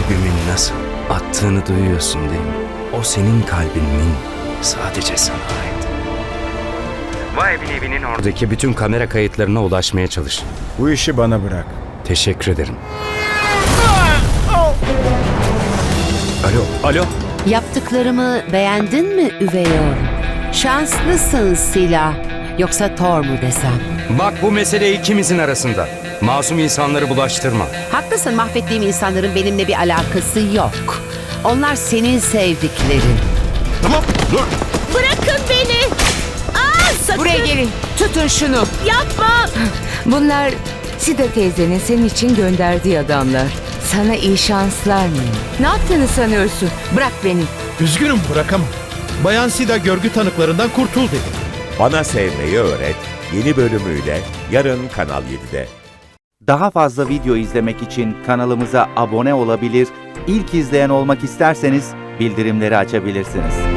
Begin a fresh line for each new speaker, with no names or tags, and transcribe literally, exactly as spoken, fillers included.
kalbimin nasıl attığını duyuyorsun değil mi? O senin kalbinin sadece sana ait. Vay evin evinin oradaki bütün kamera kayıtlarına ulaşmaya çalış.
Bu işi bana bırak.
Teşekkür ederim. Alo, alo.
Yaptıklarımı beğendin mi üvey oğlum? Şanslısın Sila. Yoksa Thor mu desem?
Bak bu mesele ikimizin arasında. Masum insanları bulaştırma.
Haklısın, mahvettiğim insanların benimle bir alakası yok. Onlar senin sevdiklerin.
Tamam, dur.
Bırakın beni. Aa, sakın.
Buraya gelin. Tutun şunu.
Yapma.
Bunlar Sida teyzenin senin için gönderdiği adamlar. Sana iyi şanslar mı? Ne yaptığını sanıyorsun? Bırak beni.
Üzgünüm, bırakamam. Bayan Sida görgü tanıklarından kurtul dedi.
Bana Sevmeyi Öğret yeni bölümüyle yarın Kanal yedide.
Daha fazla video izlemek için kanalımıza abone olabilir, ilk izleyen olmak isterseniz bildirimleri açabilirsiniz.